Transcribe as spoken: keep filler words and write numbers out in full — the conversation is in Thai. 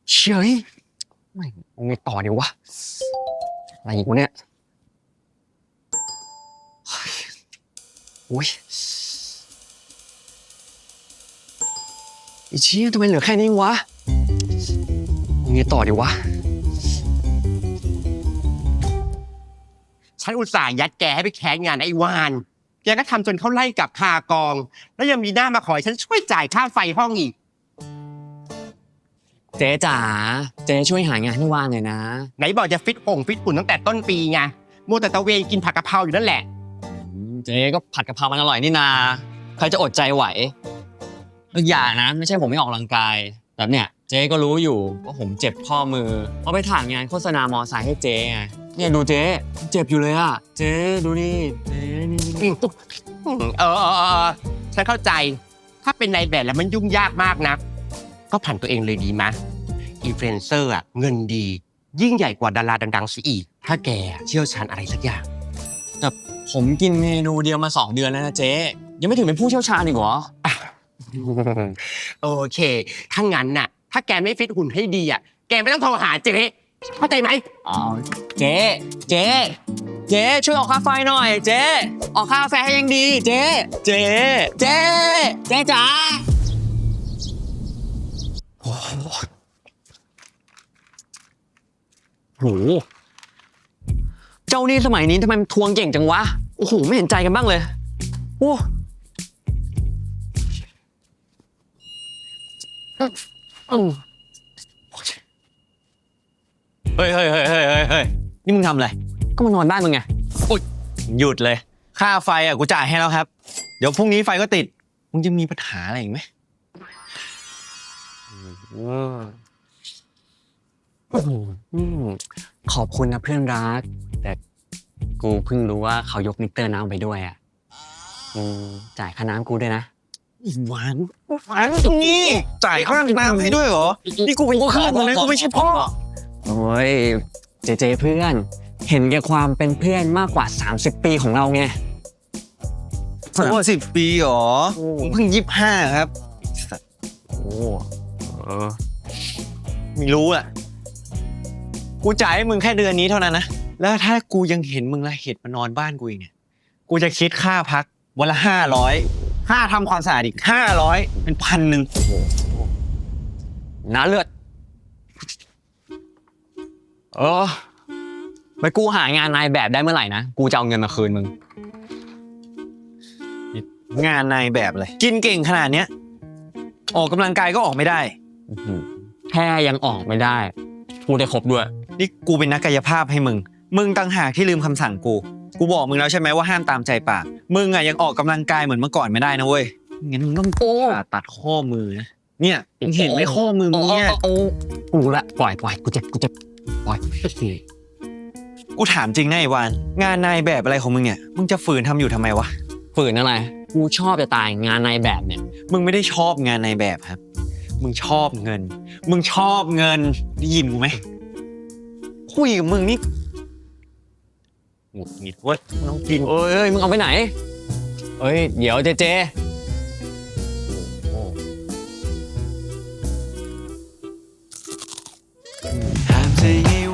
เฉยไม่เอาไงต่อดีวะอะไรอีกวะเนี่ยโอ้ยไอ้เชี่ยทำไมเหลือแค่นี้วะเอาไงต่อดีวะฉันอุตส่าห์ยัดแกให้ไปแคสงานไอ้วานแกก็ทำจนเขาไล่กลับคากอง แล้วยังมีหน้ามาขอให้ฉันช่วยจ่ายค่าไฟห้องอีกเจ๊จ๋าเจ๊ช่วยหางานให้ว่างหน่อยนะไหนบอกจะฟิตองฟิตหุ่นตั้งแต่ต้นปีไงมัวแต่ตะเวนกินผักกะเพราอยู่นั่นแหละเจ๊ก็ผัดกะเพรามันอร่อยนี่นาใครจะอดใจไหวอีกอย่างนะไม่ใช่ผมไม่ออกกำลังกายแบบเนี้ยเจ๊ก็รู้อยู่ว่าผมเจ็บข้อมือเพราะไปถ่ายงานโฆษณามอไซค์ให้เจ๊ไงเนี่ยดูเจ๊เจ็บอยู่เลยอ่ะเจ๊ดูนี่เจ๊นี่อืมเออเออเออฉันเข้าใจ ถ้าเป็นนายแบบแล้วมันยุ่งยากมากนะ ก็ผ่านตัวเองเลยดีมะอินฟลูเอนเซอร์อะเงินดี ยิ่งใหญ่กว่าดาราดังๆซะอีก ถ้าแกเชี่ยวชาญอะไรสักอย่างแต่ผมกินเมนูเดียวมาสองเดือนแล้วนะเจ๊ยังไม่ถึงเป็นผู้เชี่ยวชาญอีกเหรอโอเค ถ้างั้นน่ะ ถ้าแกไม่ฟิตหุ่นให้ดีอ่ะ แกไม่ต้องโทรหาเจ๊เข้าใจไหมอ๋อเจ๊เจ๊เจ๊ช่วยออกค่าไฟหน่อย เจ๊ออกค่าแฟให้ยังดี เจ๊เจ๊เจ๊เจ๊จ๋าโอ้โหเจ้านี่สมัยนี้ทำไมมันทวงเก่งจังวะโอ้โหไม่เห็นใจกันบ้างเลยโอ้อืมเฮ้ยเฮ้ยเฮ้ยเฮ้ยเฮ้ยเฮ้ยนี่มึงทำอะไรก็มานอนบ้านมึงไงหยุดเลย ค่าไฟอ่ะกูจ่ายให้แล้วครับ เดี๋ยวพรุ่งนี้ไฟก็ติด มึงจะมีปัญหาอะไรอีกไหมอืมขอบคุณนะเพื่อนรัก แต่กูเพิ่งรู้ว่าเขายกมิเตอร์น้ำไปด้วยอ่ะอืมจ่ายค่าน้ำกูด้วยนะหวานหวานตรงนี้ จ่ายค่าน้ำให้ด้วยเหรอ นี่กูเป็นข้ามึงนะกูไม่ใช่พ่อโอ้ยเจเจเพื่อน เห็นแก่ความเป็นเพื่อนมากกว่าสามสิบปีของเราไงโอ้สิบปีเหรอมึงเพิ่งยี่สิบห้าครับโอ้เออไม่รู้อ่ะ กูจ่ายให้มึงแค่เดือนนี้เท่านั้นนะ แล้วถ้ากูยังเห็นมึงละเหตุมานอนบ้านกูอีกเนี่ย กูจะคิดค่าพักวันละห้าร้อยค่าทำความสะอาดอีกห้าร้อยเป็นพันหนึ่งน้าเลือด เออไปกูหางานนายแบบได้เมื่อไหร่นะ กูจะเอาเงินมาคืนมึงงานนายแบบเลย กินเก่งขนาดเนี้ย ออกกำลังกายก็ออกไม่ได้แค่ยังออกไม่ได้ พูดได้ครบด้วยนี่กูเป็นนักกายภาพให้มึง มึงต่างหากที่ลืมคำสั่งกู กูบอกมึงแล้วใช่ไหมว่าห้ามตามใจปาก มึงอ่ะยังออกกำลังกายเหมือนเมื่อก่อนไม่ได้นะเว้ย งั้นมึงต้องโอ้ผ่าตัดข้อมือนะ เนี่ยมึงเห็นไหมข้อมือมึงเนี่ยโอ้กูละปล่อยปล่อยกูเจ็บกูเจ็บปล่อยกูถามจริงนะไอ้วานงานนายแบบอะไรของมึงเนี่ย มึงจะฝืนทำอยู่ทำไมวะฝืนอะไร กูชอบจะตายงานนายแบบเนี่ยมึงไม่ได้ชอบงานนายแบบครับ มึงชอบเงิน มึงชอบเงินได้ยินกูไหมคุยกับมึงนี่หงุดหงิดเว้ยมึงต้องกินเอ้ยเอ้ยมึงเอาไปไหน เอ้ย เดี๋ยวเจเจโอ้ห้ามใจให้